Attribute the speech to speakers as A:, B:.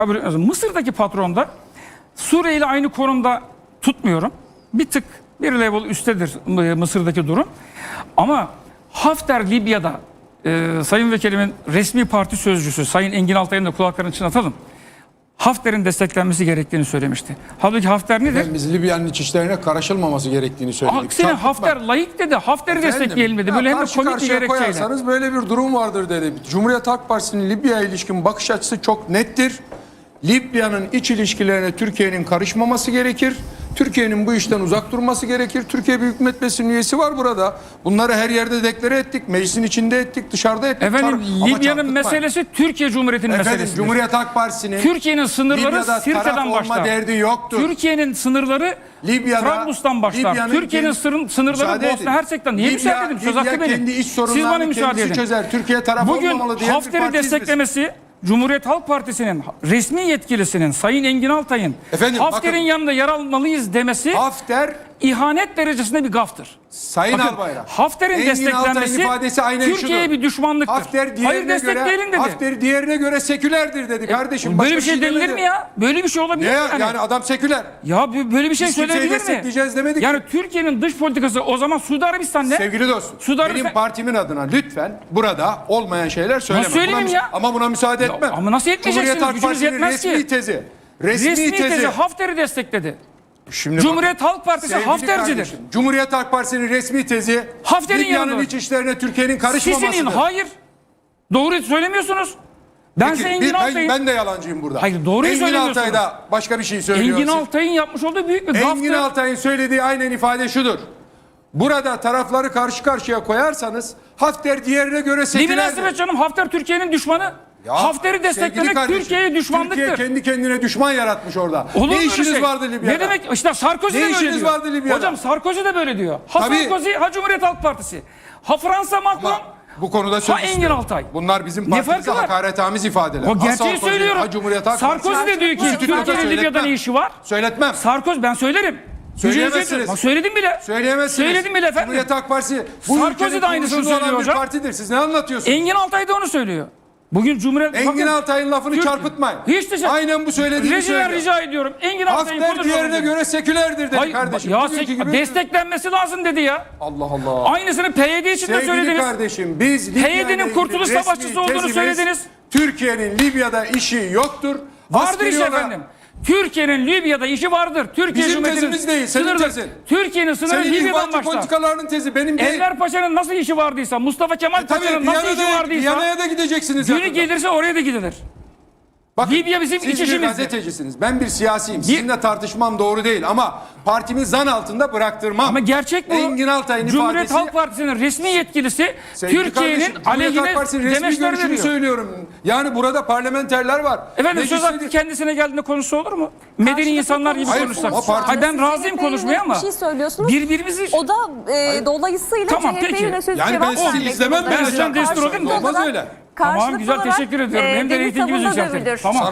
A: Mısır'daki patron da Suriye ile aynı konumda tutmuyorum. Bir tık bir level üsttedir Mısır'daki durum. Ama Hafter Libya'da Sayın Vekilimin resmi parti sözcüsü Sayın Engin Altay'ın da kulaklarını çınlatalım. Hafter'in desteklenmesi gerektiğini söylemişti. Halbuki Hafter nedir?
B: Biz Libya'nın iç işlerine karışılmaması gerektiğini söyledik.
A: Aksine Hafter layık dedi. Hafter'i destekleyelim dedi. Böyle hem de komik bir gerekçeyle.
B: Koyarsanız böyle bir durum vardır dedi. Cumhuriyet Halk Partisi'nin Libya'ya ilişkin bakış açısı çok nettir. Libya'nın iç ilişkilerine Türkiye'nin karışmaması gerekir. Türkiye'nin bu işten uzak durması gerekir. Türkiye Büyük Millet Meclisi'nin üyesi var burada. Bunları her yerde deklare ettik. Meclisin içinde ettik, dışarıda ettik.
A: Efendim Libya'nın meselesi Türkiye Cumhuriyeti'nin meselesi.
B: Cumhuriyet Halk Partisi'nin
A: Türkiye'nin sınırları Sirte'den başlar.
B: Derdi yoktur.
A: Türkiye'nin sınırları Trablus'tan başlar. Türkiye'nin sınırları Bosna Hersek'ten. Niye müsaade edin? Söz hakkı benim.
B: Kendi iç
A: Siz bana
B: sorunlarını
A: müsaade
B: kendisi
A: edin.
B: çözer. Türkiye tarafı olmamalı
A: Bugün
B: diye
A: Hafter'i desteklemesi Cumhuriyet Halk Partisi'nin resmi yetkilisinin Sayın Engin Altay'ın Hafter'in yanında yer almalıyız demesi
B: Hafter
A: ihanet derecesinde bir gaftır.
B: Sayın Albayrak.
A: Hafter'in desteklenmesi Türkiye'ye bir düşmanlıktır. Hayır destekleyelim dedi.
B: Hafter diğerine göre sekülerdir dedi kardeşim.
A: Böyle bir şey denilir mi ya? Böyle bir şey olabilir mi?
B: Yani adam seküler.
A: Ya böyle bir şey
B: Biz
A: söyleyebilir mi?
B: destekleyeceğiz demedik.
A: Yani Türkiye'nin dış politikası o zaman Suudi Arabistan ne?
B: Sevgili dostum. Benim partimin adına lütfen burada olmayan şeyler söyleme.
A: Nasıl söyleyeyim ya?
B: Ama buna müsaade etmem.
A: Ama nasıl etmeyeceksiniz? Gücünüz yetmez ki. Resmi tezi Hafter'i destekledi.
B: Şimdi
A: Cumhuriyet Halk Partisi Haftercidir.
B: Cumhuriyet Halk Partisi'nin resmi tezi
A: Hafter'in
B: Libya'nın iç işlerine Türkiye'nin karışmamasıdır.
A: Sizin hayır. Doğru söylemiyorsunuz.
B: Ben de yalancıyım burada.
A: Hayır doğruyu söylemiyorsunuz.
B: Engin Altay da başka bir şey söylüyor.
A: Engin Altay'ın yapmış olduğu büyük bir gaftır.
B: Engin Altay'ın söylediği aynen ifade şudur. Burada tarafları karşı karşıya koyarsanız Hafter diğerine göre sekülerdir.
A: Ne münasebet canım, Hafter Türkiye'nin düşmanı. Hafter'i desteklemek Türkiye'ye düşmanlıktır.
B: Türkiye kendi kendine düşman yaratmış orada.
A: Olur
B: ne işiniz
A: şey
B: vardı Libya'da?
A: Ne demek? İşte Sarkozy de böyle diyor.
B: Vardı Libya'da?
A: Hocam Sarkozy de böyle diyor. Ha
B: Tabii.
A: Sarkozy, ha Cumhuriyet Halk Partisi. Ha Fransa Macron,
B: bu konuda söz
A: Engin Altay.
B: Bunlar bizim partimize hakaretamiz ifadeler.
A: O gerçeği söylüyorum. Sarkozy de diyor ki Türkiye'nin Libya'da ne işi var?
B: Söyletmem.
A: Sarkozy, ben söylerim.
B: Söyleyemezsiniz.
A: Söyledim bile.
B: Söyleyemezsiniz.
A: Söyledim bile efendim.
B: Cumhuriyet Halk Partisi
A: Sarkozy de aynısını söylüyor hocam.
B: Partidir. Siz ne anlatıyorsunuz?
A: Engin Altay da onu söylüyor. Bugün Cumhuriyet...
B: Engin Altay'ın lafını çarpıtmayın.
A: Hiç de
B: aynen bu söylediğini söylüyor.
A: Rica ediyorum. Engin Altay'ın
B: Hafter diğerine göre sekülerdir dedi kardeşim.
A: Ya desteklenmesi lazım dedi ya.
B: Allah Allah.
A: Aynısını PYD için de söylediniz.
B: Sevgili kardeşim, biz
A: PYD'nin kurtuluş savaşçısı olduğunu söylediniz.
B: Türkiye'nin Libya'da işi yoktur.
A: Vardır iş efendim. Türkiye'nin Libya'da işi vardır. Türkiye
B: bizim tezimiz değil, senin tezin.
A: Türkiye'nin sınırı Libya'dan başlar.
B: Politikalarının tezi benim değil.
A: Enver Paşa'nın nasıl işi vardıysa, Mustafa Kemal Paşa'nın nasıl işi vardıysa,
B: Viyana'ya da gideceksiniz.
A: Günü gelirse oraya da gidilir.
B: Bakın,
A: Libya bizim iç
B: siz bir
A: işimizdir.
B: gazetecisiniz. Ben bir siyasiyim. Sizinle tartışmam doğru değil ama partimi zan altında bıraktırmam.
A: Ama gerçek bu.
B: Engin Altay'ın
A: Cumhuriyet
B: ifadesi.
A: Halk Partisi'nin resmi yetkilisi Türkiye'nin aleyhine demeçler veriyor.
B: Söylüyorum. Yani burada parlamenterler var.
A: Efendim söz hakkı kendisine geldiğinde konuşsa olur mu? Medeni insanlar gibi konuşsak. Hayır, ben razıyım konuşmaya ama.
C: Bir şey söylüyorsunuz.
A: Birbirimizi...
C: O da dolayısıyla
A: tamam,
C: CHP'ye yönelik cevap
B: yani ben sizi izlemem.
A: Ben sizden destur olayım.
B: Olmaz öyle.
A: Tamam, güzel, teşekkür ediyorum. Hem de reytingimizi yükseltelim. Tamam.